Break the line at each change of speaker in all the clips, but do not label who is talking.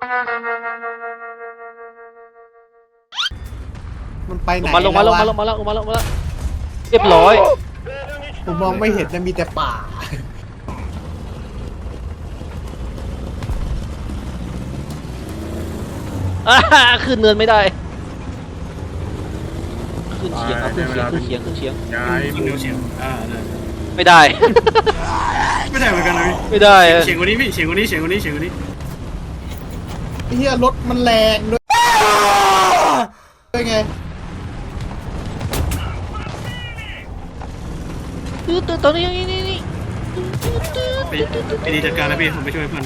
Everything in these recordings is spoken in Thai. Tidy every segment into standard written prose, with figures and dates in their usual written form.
มันไปไหน
ลงมาเรียบร้อย
ผมมองไม่เห็นจะมีแต่ป่า
ขึ้นเนินไม่ได้ขึ้นเฉียง
ย้าย
ยิงเร็วเฉียงได้
ไม่ได้
ไม่ได้เหมือนกันเลย
ไม่ได้
เฉียงกว่านี้พี่เฉียงกว่านี้เฉียงกว่านี้เฉียงกว่านี้
ไอ้เหี้ยรถมันแรงด้วยไง
ตอนนี้นี่
ไปดีจัดการนะพี่ผมไปช่วยเพื่อน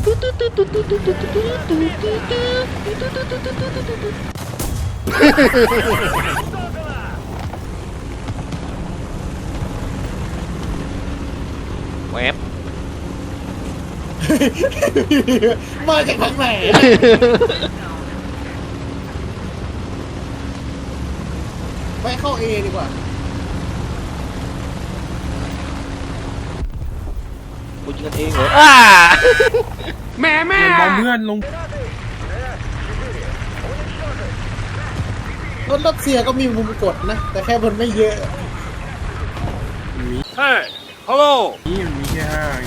แวบ
มาจากทางไหนไปเข้าเอดีกว่า
กูยิงกันเองเหรอ
แม่
บอมเพื่อนลง
รถรัสเซียก็มีมุมกดนะ แต่แค่มันไม่เยอะ
เฮ้ยฮัลโหล
นี่มันมีแค่ห้า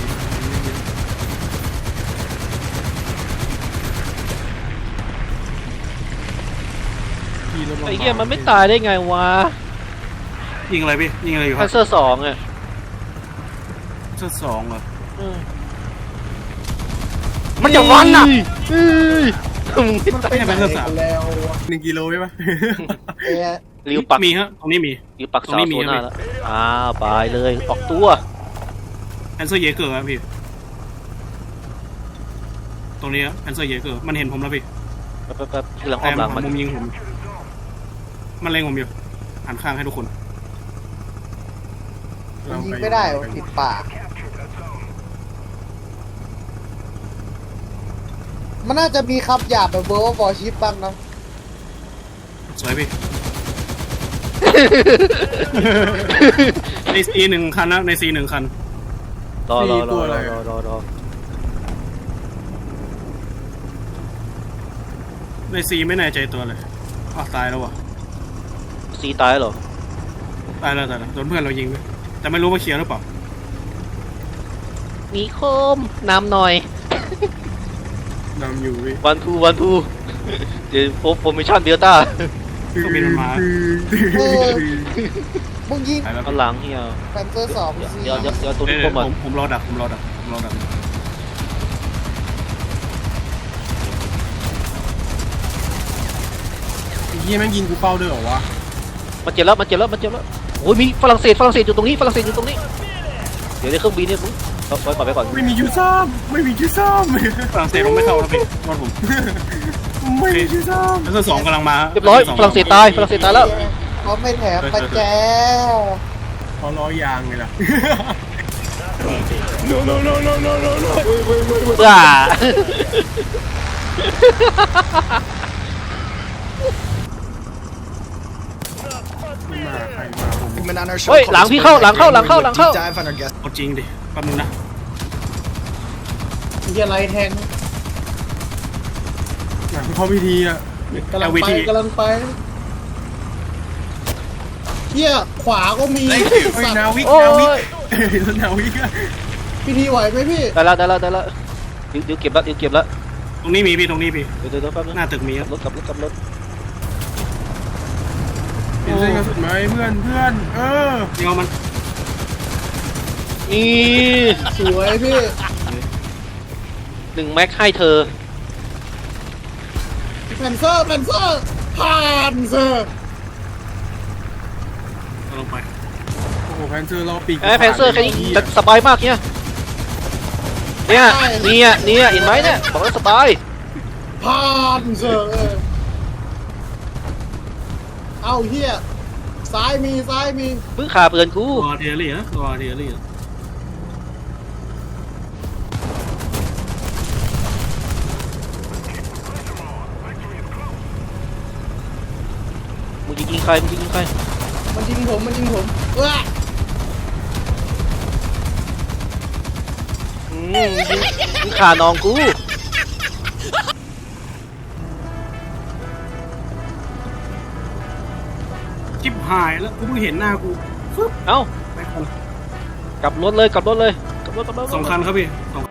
ขี่รถ
ไอ้เหี้ยมันไม่ตายได้ไงวะ
ยิงอะไรพี่ยิงอะไรอยู่ค
คั
รั
น
บ
เซอร์2อ่ะ
ชุดสองเหรอ
มันจะวันอ่ะ
มันไปไหนกันแล้ววะ
1 กิโลใช่ปะ
เอ๊ะ
ริวปัก
มีฮะตรงนี้มี
ริวปัก
ตรง
เสา
นี้
โซ
มี
น่าแล้วไปเลยออกตัว
แอนเซอร์เยเกอร์ครับพี่ตรงนี้แอนเซอร์เยเกอร์มันเห็นผมแล้วพี่
แป๊บกำลังอ้อมหลังมัน
มุมยิงผมมันเล็งผมอยู่หันข้างให้ทุกคน
มันยิงไม่ได้วะติดป่า มันน่าจะมีคำหยาบแบบเวอร์บอชิปบ้างนะ
สวยพี่ ในซีหนึ่งคันนะในซีหนึ่งคัน
รอ
ในซีไม่แน่ใจตัวเลยอ๋อตายแล้ววะ
ซีตายเหรอ
ตายแล้วโดนเพื่อนเรายิงไปแต่ไม่รู้ว่าเคลียร์หรือเปล่า
มีโคมนำหน่อย
นำอยู่พี่
วันทูเดี๋ยวโฟมิชั่นเดลต้า
ก็บินมันมา
มึงยิง
ตายแล้ว
เอาหลังเฮีย
แฟนเซอร์สองสิ
เดี๋ยวตัวนี้ผมอ่ะ
ผมรอดักผมรอดัก
ไอ้เหี้ยแม่งยิงกูเป้าด้วยเหรอวะ
มันเจ็บแล้วโอ้ยมีฝรั่งเศสอยู่ตรงนี้เดี๋ยวในเครื่องบินเนี่ยมึงไปก่อน
ไม่มียูซ่อมไม่มียูซ่อม
ฝรั่งเศสลงไม่เข้าแล้วพี่รถผม
ไม่มียูซ่อม
แล้วก็สองกำลังมา
เรียบร้อยฝรั่งเศสตายแล้ว
เขาไม่แถมปัจแจ
เขาล้อยางไงล่ะ
บ้า
มาใครมาผม
เฮ้ยหลังพี่เข้า
เอาจริงดิแป๊บนึงนะ
เฮียไรแทง
หนังเข้าพิธีอ่ะ
กำลังไปเฮียขวาก็มี
เฮ้ยนาวิก
โอ้
นาวิก
ย
นาวิกอะ
พิธีไหวไหมพี่
ได้แล้วเดี๋ยวเก็บแล้ว
ตรงนี้มีพี่ตรงนี้พี่
เดี๋ยวแป๊บนึง
หน้าตึกมีครับ
รถกลับรถ
เห็นเส้นกระสุนไหมเพื่อน
ยิงเอามัน
นี่
สวยพี่
1 แม็กให้เธอ
แฟนเซอร์ผ่านเซอร์
เอาลงไป
โอ้โหแพนเซอร์รอปีก
แพนเซอร์แค่นี้สบายมากเนี่ยเห็นไหมเนี่ยบอกแล้วสบาย
ผ่านเซอร์เอาเฮียซ้ายมี
เพิ่งขาเปือนกู
ตัวเทียรี่นะตัวเทียรี่
มึงยิงใคร
มันยิงผมว้า
มึงขาน้องกู
จิ๊บหายแล้วกูเพิ่งเห็นหน้ากูฟึ๊บ
เอ้า
ไปก่อน
กลับรถเลยกลับรถเลยกลับรถ
สองคันครับพี่สอง